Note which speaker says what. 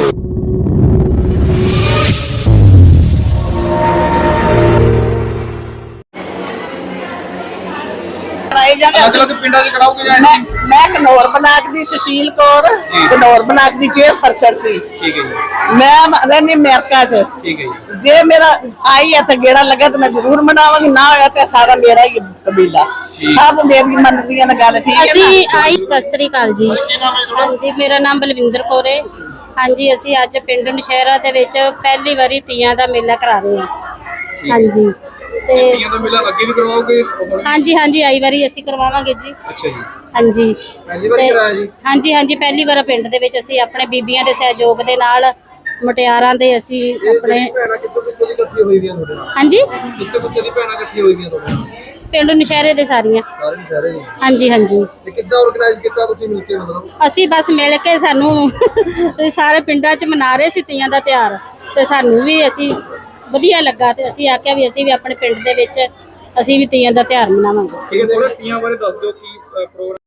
Speaker 1: मैं घनौर ब्लाक दी सुशील कौर घनौर ब्लाक दी चेयरपर्सन सी। मैं रहनी अमेरिका च। जे मेरा आई है तो गेड़ा लगे तो मैं जरूर मनावांगी, ना होया तो सारा मेरा ही कबीला सब मेरी मनदी है गल। ठीक है
Speaker 2: आई सत श्री अकाल जी। हाँ जी, मेरा नाम बलविंदर कौर है। हाँ जी, असी अज पिंड नशहरा दे विच पहली बारी तीयां दा मेला करा रहे हैं। हाँ जी, हाँ जी, हाँ जी, आई बारी असी करवावांगे जी। हाँ जी, हाँ जी, हाँ जी, पहली बार पिंड दे विच असी अपने बीबियां दे सहयोग दे नाल मुटियारां दे असी अपने हाँ जी पिंड नशहरे दे सारियां। हाँ जी, हाँ जी, असी बस मिल के सानू सारे पिंडां च मना रहे सी तीयां दा त्योहार ते सानू भी असी वधिया लगा ते असी आख्या भी असी भी अपने पिंड दे विच असी भी तीयां दा त्योहार मनावांगे।